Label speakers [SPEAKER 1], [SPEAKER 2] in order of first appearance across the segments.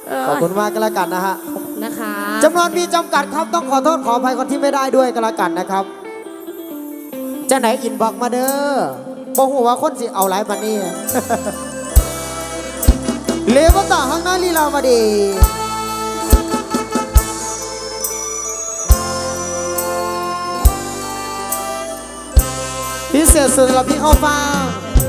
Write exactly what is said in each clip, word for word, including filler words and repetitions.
[SPEAKER 1] ขอบคุณมากก็แล้วกันนะฮะ
[SPEAKER 2] นะคะ
[SPEAKER 1] จำนวนมีจำกัดครับต้องขอโทษขออภัยคนที่ไม่ได้ด้วยก็แล้วกันนะครับจะไหนอินบอกมาเด้อบอกหัวว่าคนสิเอาไลฟ์มานี่ เลวต่อข้างหน้าลีลาวดีพิเศษสุดสำหรับพี่เข้าฟัง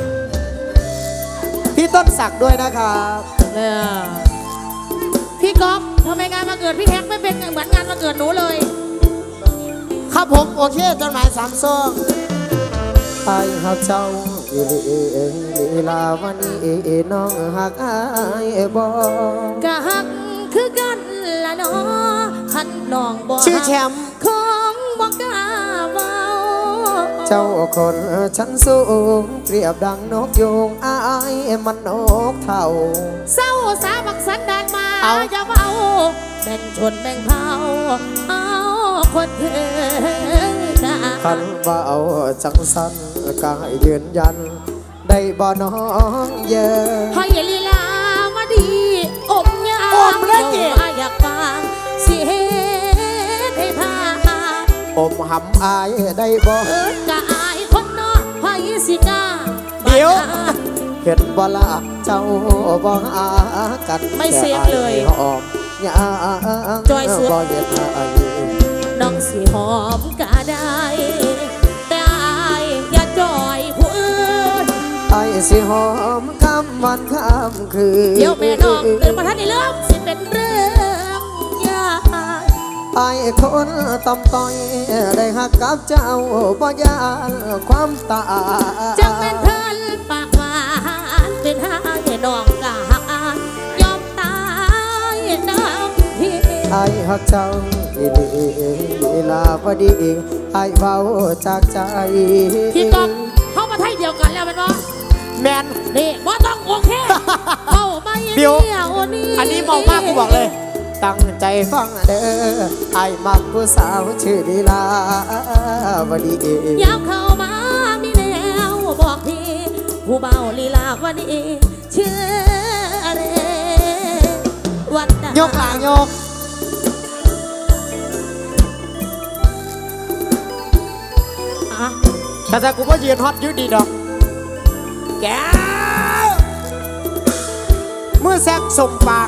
[SPEAKER 1] พี่ต้นศักดิ์ด้วยนะครับ
[SPEAKER 2] เนี่ยพี่ก๊อฟทำไมงานมาเกิดพี่แฮกไม่เป็นเหมือนงานมาเกิดหนูเลย
[SPEAKER 1] ครับผมโอเคจดหมายสามซองไอ้หักเจ้าอีลีเองลีลาวันนี้น้องหักไอ้บอก
[SPEAKER 2] ะหักคือกันละน้อหันน้องบอก
[SPEAKER 1] ชื่อแชมป์
[SPEAKER 2] ของบอกกาเบา
[SPEAKER 1] เจ้าคนชั้นสูงเปรียบดังนกยูงอายมันนกเท่า
[SPEAKER 2] เศร้าสาบักสันดานมาอย่าเบาแบ่งชนแบ่งเผ่าเอาคนเธอ
[SPEAKER 1] คันว่าเอาจังสันกายยืนยันได้บ่น้องเยอะ
[SPEAKER 2] ให้ลีลามาดีอมยาอมเล่นอยากฟังเสียให้พา
[SPEAKER 1] อมหำอายได้บ่
[SPEAKER 2] เอิ้นกะอายคนนอกให้สิกา
[SPEAKER 1] เดี๋ยวเห็นบ่ละเจ้าบ่หากัน
[SPEAKER 2] ไม่เซฟเลย
[SPEAKER 1] ออมยา
[SPEAKER 2] จอยสุด
[SPEAKER 1] บ่เห็นอาย
[SPEAKER 2] น้องสิหอมกะได้แต่อายอย่าจอยผู้อื่น
[SPEAKER 1] อายสิหอมคำวันคำคืน
[SPEAKER 2] เดี๋ยวแม่น้องตื่นมาทันในเรื่องสิเป็นเรื่องยาก
[SPEAKER 1] ไอ้คนตำต้อยได้หักกับเจ้าบ่ยานความตา
[SPEAKER 2] จังเป็นเพิ่นปากหวานเป็นหาให้น้องกะหักยอมตายน้ำพี่
[SPEAKER 1] ไอ้หักเจ้าอีลีลีลาวดีไอ้เบาจากใจ
[SPEAKER 2] พี่กองเข้ามาไทยเดียวกันแล้วมันบ่
[SPEAKER 1] แมน
[SPEAKER 2] นี่บ่ต้องโอเคเข้ามาเดียวนี่
[SPEAKER 1] อันนี้เมามากกูบอกเลยตั้งใจฟังเด้อไอ้มักผู้สาวชื่อลีลาวดี
[SPEAKER 2] ยาวเข้ามามีแนวบอกพี่ผู้เบาลีลาวดีชื่ออะไรวัด
[SPEAKER 1] ยกหลังยกแต่ถ้ากูว่ายืนฮอตยืดดีดอกแกเมื่อแซกส่งปาก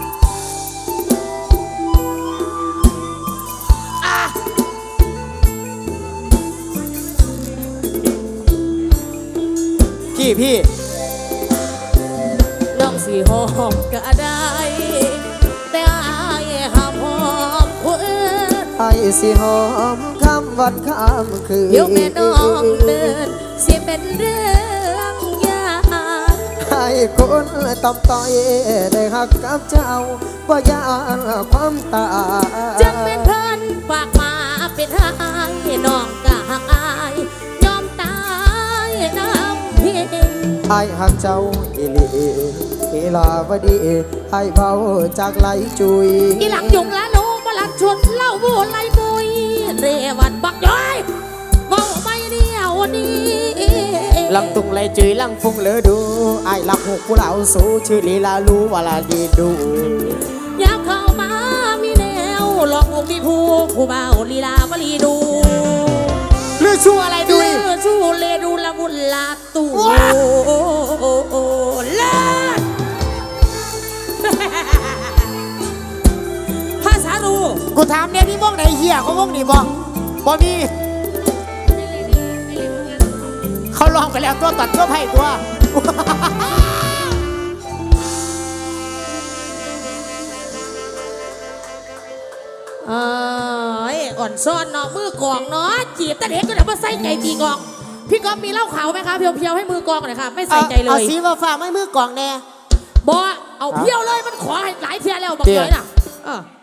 [SPEAKER 1] พี่พี่
[SPEAKER 2] น้องสีหอมก็ได้แต่อายห้ามหอมคนอื่น
[SPEAKER 1] ไอ้สิหอมคำวันคำคืน
[SPEAKER 2] เดี๋ยวแม่น้องเดินสิเป็นเรื่องยาก
[SPEAKER 1] ไอ้คนตำต้อยได้หักกับเจ้าบ่ยานความตา
[SPEAKER 2] จังเป็นเพิ่นฝากมาเป็นหายน้องกะหักอายยอมตายน้ำพี่
[SPEAKER 1] ไอ้หักเจ้าอีลีอีลาวดีไอ้เบาจากไหลจุย
[SPEAKER 2] อีหลังยุงละโนมาลัดชวนเล่าโบไหลบุยเรวันบักย้อยเบาไม่เดียวนี้
[SPEAKER 1] ลังตุงไหลจุยลังฟุ้งเลอดูไอ้หลักหกผู้เหล่าสู้ชื่อลีลารู้ว่าลาดีดู
[SPEAKER 2] ยาวเข้ามามีแนวหลอกวงมีผู้ผู้เบาลีลาวลีดู
[SPEAKER 1] เลือชูอะไรดู
[SPEAKER 2] เลือชูเลดูละมุนลาตูเลิศภาษาดู
[SPEAKER 1] กูถามเนี่ยนี่ม่องไหนเหี้ยเขาม่องนี่บ่บ่มีเขาลองไปแล้วตัวตัดตัวไผ่ตัว
[SPEAKER 2] เอออ่อนซ้อนเนาะมือกองเนาะจีบแต่เด็กก็เดี๋ยวมาใส่ใจตีกองพี่ก๊อฟมีเหล้าขาวไหมคะเพียวๆให้มือกองหน่อยค่ะไม่ใส่ใจเลย
[SPEAKER 1] เอาสีมาฝากไม่มือกองแน่
[SPEAKER 2] บอเอาเพียวเลยมันขอให้หลายเทียแล้วบอกเลยนะ